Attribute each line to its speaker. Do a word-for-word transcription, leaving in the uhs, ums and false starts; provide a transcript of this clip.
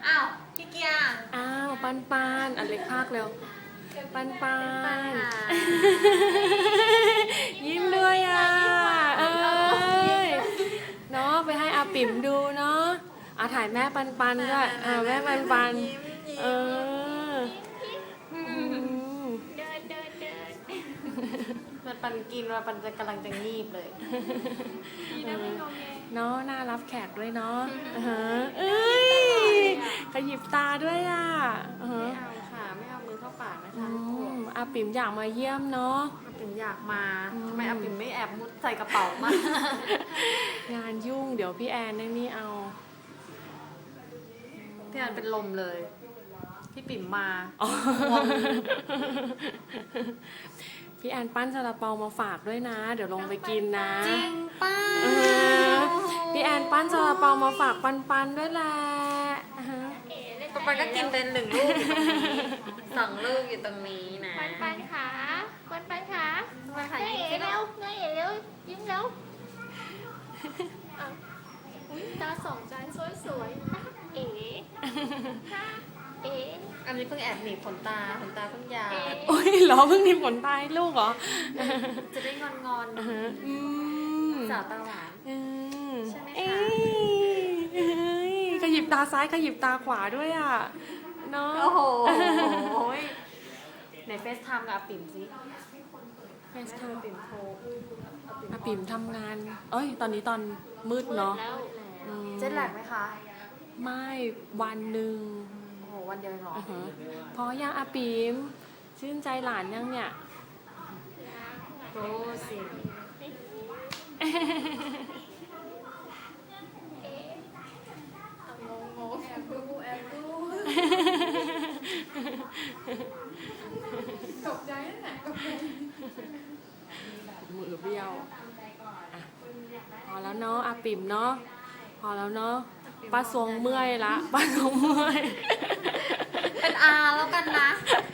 Speaker 1: อ้าวพี่เกียร์
Speaker 2: อ้าวปันปันอันเล็กภาคเร็วปันปันยิ้มด้วยอ่ะเอ้ยเนาะไปให้อาปิ๋มดูเนาะอาถ่ายแม่ปันปันด้วยอ่าแม่ปันปันเออ
Speaker 1: เดินเดินเดิน
Speaker 3: มันปันกินว่าปันจะกำลังจะงีบเลย
Speaker 1: ดีนะไม่งงไง
Speaker 2: เนาะน่ารับแขกด้วยเนาะเอ้ยขยิบตาด้วยอ่ะ
Speaker 3: ไม่เอาค่ะไม่เอามือเข้าปากนะคะ
Speaker 2: อาปิ๋มอยากมาเยี่ยมเนาะ
Speaker 3: อาปิ่มอยากมาทำไมอาปิ่มไม่แอบมุดใส่กระเป๋ามา
Speaker 2: งานยุ่งเดี๋ยวพี่แอนได้นี่เอา
Speaker 3: พี่อันเป็นลมเลย พี่ปิ่มมา
Speaker 2: อ๋อพี่แอนปั้นซาลาเปามาฝากด้วยนะ เดี๋ยวลงไปกินนะ
Speaker 3: จริงป้า
Speaker 2: เออพี่แอนปั้นซาลาเปามาฝากปันปันด้วยแหละอ่าฮะ
Speaker 1: เอ๋เล่น
Speaker 3: ปันก็กินเป็นหนึ่งลูกอยู่ตรงนี้สองลูกอยู่ตรงนี้นะ
Speaker 1: ปันปันขาปันปันขา
Speaker 3: ปันขา
Speaker 1: น้า
Speaker 3: ยิ้ม
Speaker 1: เอ๋
Speaker 3: สิ
Speaker 1: เร็วน้าเอ๋เร็วยิ้มเร็วอ้าวอุ้ยตาสองใจสวยสวยๆน้าเอ๋น้าเอ๋
Speaker 3: อันนี้เพิ่งแอบหนีบขนตาขนตาเพิ่งยาว
Speaker 1: เอ๋
Speaker 2: โอ้ยเหรอเพิ่งมีผลตายลูกเหรอ
Speaker 3: จะได้งอนงอน
Speaker 2: อ่าฮะอืม
Speaker 3: สาวตาหวาน
Speaker 2: อืม
Speaker 3: ใช่ไหมคะ
Speaker 2: เอ้ยเอ้ยขยิบตาซ้ายขยิบตาขวาด้วยอ่ะเนาะ
Speaker 3: โอ้โหไหนเฟซไทม์กับอาปิ่มสิ
Speaker 2: เฟสไท
Speaker 3: อา
Speaker 2: ม์
Speaker 3: ปิ่มโทร
Speaker 2: อาปิ่มทำงาน เอ้ย ตอนนี้ตอนมืดเนาะ
Speaker 1: แล้ว
Speaker 2: อืม
Speaker 3: เจ็ดแหลกไหมคะ
Speaker 2: ไม่วันหนึ่ง
Speaker 3: โอ้โหวันเดียวเองเหรอ
Speaker 2: อ่าฮะพอยังอาปิมชื่นใจหลานยังเนี่ย
Speaker 3: โอ้สิ
Speaker 1: งงงแอบดูแอบดูตกใจนั่นแหละตกใจ
Speaker 2: มือเบี้ยวอ่ะพอแล้วเนาะอาปิ่มเนาะพอแล้วเนาะป้าทรงเมื่อยละป้าทรงเมื่อย
Speaker 3: เป็นอาแล้วกันนะ